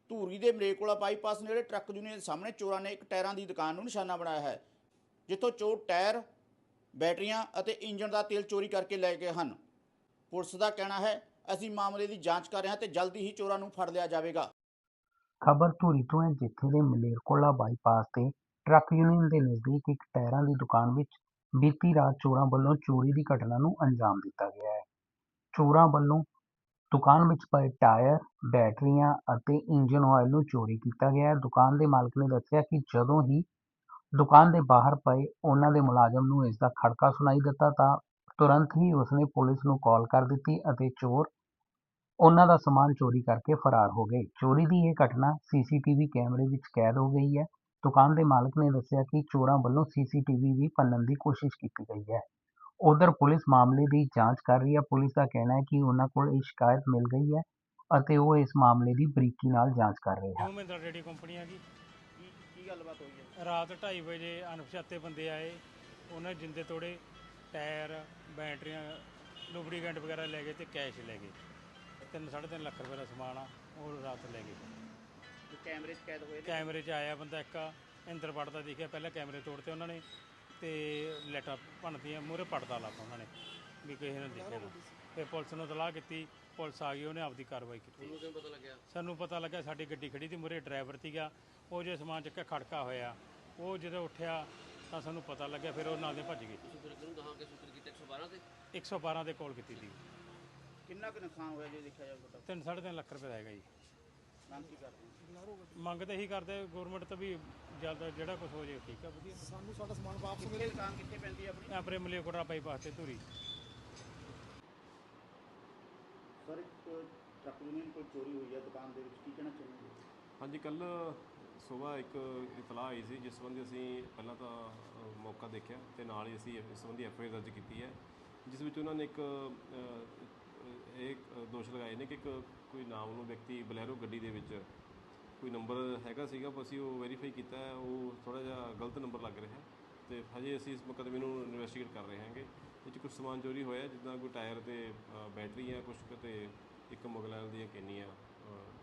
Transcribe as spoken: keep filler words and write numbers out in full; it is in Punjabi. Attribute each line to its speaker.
Speaker 1: ਧੂਰੀ ਦੇ ਮਲੇਰਕੋਟਲਾ ਬਾਈਪਾਸ ਨੇੜੇ ਟਰੱਕ ਯੂਨੀਅਨ ਦੇ ਸਾਹਮਣੇ ਚੋਰਾਂ ਨੇ ਇੱਕ ਟਾਇਰਾਂ ਦੀ ਦੁਕਾਨ ਨੂੰ ਨਿਸ਼ਾਨਾ ਬਣਾਇਆ ਹੈ, ਜਿੱਥੋਂ ਚੋਰ ਟਾਇਰ, ਬੈਟਰੀਆਂ ਅਤੇ ਇੰਜਣ ਦਾ ਤੇਲ ਚੋਰੀ ਕਰਕੇ ਲੈ ਗਏ ਹਨ। ਪੁਲਿਸ ਦਾ ਕਹਿਣਾ ਹੈ, ਅਸੀਂ ਮਾਮਲੇ ਦੀ ਜਾਂਚ ਕਰ ਰਹੇ ਹਾਂ ਤੇ ਜਲਦੀ ਹੀ ਚੋਰਾਂ ਨੂੰ ਫੜ ਲਿਆ ਜਾਵੇਗਾ।
Speaker 2: ਖਬਰ ਧੂਰੀ ਤੋਂ ਹੈ, ਜਿੱਥੇ ਦੇ ਮਲੇਰਕੋਟਲਾ ਬਾਈਪਾਸ ਤੇ ਟਰੱਕ ਯੂਨੀਅਨ ਦੇ ਨਜ਼ਦੀਕ ਇੱਕ ਟਾਇਰਾਂ ਦੀ ਦੁਕਾਨ ਵਿੱਚ ਬੀਤੀ ਰਾਤ ਚੋਰਾਂ ਵੱਲੋਂ ਚੋਰੀ ਦੀ ਘਟਨਾ ਨੂੰ ਅੰਜਾਮ ਦਿੱਤਾ ਗਿਆ ਹੈ। ਚੋਰਾਂ ਵੱਲੋਂ ਦੁਕਾਨ ਵਿੱਚ ਪਏ ਟਾਇਰ, ਬੈਟਰੀਆਂ ਅਤੇ ਇੰਜਨ ਆਇਲ ਨੂੰ ਚੋਰੀ ਕੀਤਾ ਗਿਆ ਹੈ। ਦੁਕਾਨ ਦੇ ਮਾਲਕ ਨੇ ਦੱਸਿਆ ਕਿ ਜਦੋਂ ਹੀ ਦੁਕਾਨ ਦੇ ਬਾਹਰ ਪਏ ਉਹਨਾਂ ਦੇ ਮੁਲਾਜ਼ਮ ਨੂੰ ਇਸ ਦਾ ਖੜਕਾ ਸੁਣਾਈ ਦਿੱਤਾ ਤਾਂ ਤੁਰੰਤ ਹੀ ਉਸਨੇ ਪੁਲਿਸ ਨੂੰ ਕਾਲ ਕਰ ਦਿੱਤੀ ਅਤੇ ਚੋਰ ਉਹਨਾਂ ਦਾ ਸਮਾਨ ਚੋਰੀ ਕਰਕੇ ਫਰਾਰ ਹੋ ਗਏ। ਚੋਰੀ ਦੀ ਇਹ ਘਟਨਾ ਸੀਸੀਟੀਵੀ ਕੈਮਰੇ ਵਿੱਚ ਕੈਦ ਹੋ ਗਈ ਹੈ। ਦੁਕਾਨ ਦੇ ਮਾਲਕ ਨੇ ਦੱਸਿਆ ਕਿ ਚੋਰਾਂ ਵੱਲੋਂ ਸੀਸੀਟੀਵੀ ਵੀ ਭੰਨਣ ਦੀ ਕੋਸ਼ਿਸ਼ ਕੀਤੀ ਗਈ ਹੈ। ਉਧਰ ਪੁਲਿਸ ਮਾਮਲੇ ਦੀ ਜਾਂਚ ਕਰ ਰਹੀ ਹੈ। ਪੁਲਿਸ ਦਾ ਕਹਿਣਾ ਹੈ ਕਿ ਉਹਨਾਂ ਕੋਲ ਇਹ ਸ਼ਿਕਾਇਤ ਮਿਲ ਗਈ ਹੈ ਅਤੇ ਉਹ ਇਸ ਮਾਮਲੇ ਦੀ ਬਰੀਕੀ ਨਾਲ ਜਾਂਚ ਕਰ ਰਹੇ ਹਨ।
Speaker 3: ਮਹਿੰਦਰਾ ਰੇਡੀ ਕੰਪਨੀ ਆ ਜੀ।
Speaker 1: ਕੀ ਕੀ ਗੱਲਬਾਤ ਹੋਈ ਹੈ?
Speaker 3: ਰਾਤ ਢਾਈ ਵਜੇ ਅਣਪਛਾਤੇ ਬੰਦੇ ਆਏ, ਉਹਨਾਂ ਨੇ ਜਿੰਦੇ ਤੋੜੇ, ਟਾਇਰ, ਬੈਟਰੀਆਂ, ਲੁਬਰੀਕੈਂਟ ਵਗੈਰਾ ਲੈ ਗਏ ਅਤੇ ਕੈਸ਼ ਲੈ ਗਏ। ਤਿੰਨ ਸਾਢੇ ਤਿੰਨ ਲੱਖ ਰੁਪਏ ਦਾ ਸਮਾਨ ਆ, ਉਹ ਰਾਤ ਲੈ ਗਏ।
Speaker 1: ਕੈਮਰੇ 'ਚ ਕੈਦ ਹੋਏ?
Speaker 3: ਕੈਮਰੇ 'ਚ ਆਇਆ ਬੰਦਾ ਇੱਕ ਇੰਦਰ ਪੜਦਾ ਦਿਖਿਆ, ਪਹਿਲਾਂ ਕੈਮਰੇ ਤੋੜਤੇ ਉਹਨਾਂ ਨੇ ਅਤੇ ਲਾਈਟਾਂ ਭੰਨਤੀਆਂ, ਮੂਹਰੇ ਪੜਦਾ ਲਾਤਾ ਉਹਨਾਂ ਨੇ ਵੀ ਕਿਸੇ ਨੇ ਦੇਖਿਆ ਨਾ। ਫਿਰ ਪੁਲਿਸ ਨੂੰ ਇਤਲਾਹ ਕੀਤੀ, ਪੁਲਿਸ ਆ ਗਈ, ਉਹਨੇ ਆਪਦੀ ਕਾਰਵਾਈ ਕੀਤੀ।
Speaker 4: ਪਤਾ ਲੱਗਿਆ
Speaker 3: ਸਾਨੂੰ ਪਤਾ ਲੱਗਾ ਸਾਡੀ ਗੱਡੀ ਖੜੀ ਸੀ, ਮੂਹਰੇ ਡਰਾਈਵਰ ਸੀਗਾ, ਉਹ ਜੇ ਸਮਾਨ ਚੱਕਿਆ ਖੜਕਾ ਹੋਇਆ, ਉਹ ਜਦੋਂ ਉੱਠਿਆ ਤਾਂ ਸਾਨੂੰ ਪਤਾ ਲੱਗਿਆ, ਫਿਰ ਉਹ ਨਾਲ ਦੇ ਭੱਜ ਗਏ।
Speaker 4: ਤੁਸੀਂ ਫਿਰ ਕਿਹਨੂੰ ਕਹਾਂ ਕਿ ਸੂਚਿਤ ਕੀਤਾ? ਇੱਕ ਸੌ ਬਾਰਾਂ ਤੇ
Speaker 3: ਇੱਕ ਸੌ ਬਾਰਾਂ ਦੇ ਕਾਲ ਕੀਤੀ ਸੀ।
Speaker 1: ਕਿੰਨਾ ਕੁ ਨੁਕਸਾਨ ਹੋਇਆ ਜੇ ਦੇਖਿਆ ਜਾਵੇ ਤਾਂ?
Speaker 3: ਤਿੰਨ ਸਾਢੇ ਤਿੰਨ ਲੱਖ ਰੁਪਏ ਦਾ ਹੈਗਾ ਜੀ।
Speaker 1: ਮੰਗ ਕੀ ਕਰਦੇ?
Speaker 3: ਮੰਗ ਤਾਂ ਇਹੀ ਕਰਦੇ ਗੌਰਮੈਂਟ ਤੋਂ ਵੀ ਜਲਦ ਜਿਹੜਾ ਕੁਛ ਹੋ ਜਾਏ ਠੀਕ ਆ, ਵਧੀਆ।
Speaker 5: ਸਾਨੂੰ ਸਾਡਾ ਸਮਾਨ ਵਾਪਸ
Speaker 1: ਕਿੱਥੇ
Speaker 5: ਮਿਲੇ।
Speaker 1: ਦੁਕਾਨ ਕਿੱਥੇ ਪੈਂਦੀ ਹੈ ਆਪਣੀ?
Speaker 3: ਆਪਣੇ ਮਲੇਰਕੋਟਲਾ ਬਾਈਪਾਸ ਤੇ ਧੂਰੀ।
Speaker 1: ਸਰ, ਇੱਕ ਟਰੱਕ ਯੂਨੀਅਨ ਕੋਲ ਚੋਰੀ ਹੋਈ ਹੈ ਦੁਕਾਨ ਦੇ ਵਿੱਚ, ਕੀ ਕਹਿਣਾ ਚਾਹੁੰਦੇ?
Speaker 6: ਹਾਂਜੀ, ਕੱਲ੍ਹ ਸੁਬਾਹ ਇੱਕ ਇਤਲਾਹ ਆਈ ਸੀ, ਜਿਸ ਸੰਬੰਧੀ ਅਸੀਂ ਪਹਿਲਾਂ ਤਾਂ ਮੌਕਾ ਦੇਖਿਆ ਅਤੇ ਨਾਲ ਹੀ ਅਸੀਂ ਇਸ ਸੰਬੰਧੀ ਐਫ ਆਈ ਆਰ ਦਰਜ ਕੀਤੀ ਹੈ, ਜਿਸ ਵਿੱਚ ਉਹਨਾਂ ਨੇ ਇੱਕ ਇਹ ਦੋਸ਼ ਲਗਾਏ ਨੇ ਕਿ ਇੱਕ ਕੋਈ ਨਾਮਲੂਮ ਵਿਅਕਤੀ ਬਲੈਰੋ ਗੱਡੀ ਦੇ ਵਿੱਚ ਕੋਈ ਨੰਬਰ ਹੈਗਾ ਸੀਗਾ, ਅਸੀਂ ਉਹ ਵੈਰੀਫਾਈ ਕੀਤਾ ਹੈ, ਉਹ ਥੋੜ੍ਹਾ ਜਿਹਾ ਗਲਤ ਨੰਬਰ ਲੱਗ ਰਿਹਾ ਅਤੇ ਹਜੇ ਅਸੀਂ ਇਸ ਮੁਕੱਦਮੇ ਨੂੰ ਇਨਵੈਸਟੀਗੇਟ ਕਰ ਰਹੇ ਹਾਂਗੇ। ਇਹ 'ਚ ਕੁਛ ਸਮਾਨ ਚੋਰੀ ਹੋਇਆ, ਜਿੱਦਾਂ ਕੋਈ ਟਾਇਰ ਅਤੇ ਬੈਟਰੀਆਂ ਕੁਛ ਅਤੇ ਇੱਕ ਮੁਗਲ ਆਇਲ ਦੀਆਂ ਕੈਨੀਆਂ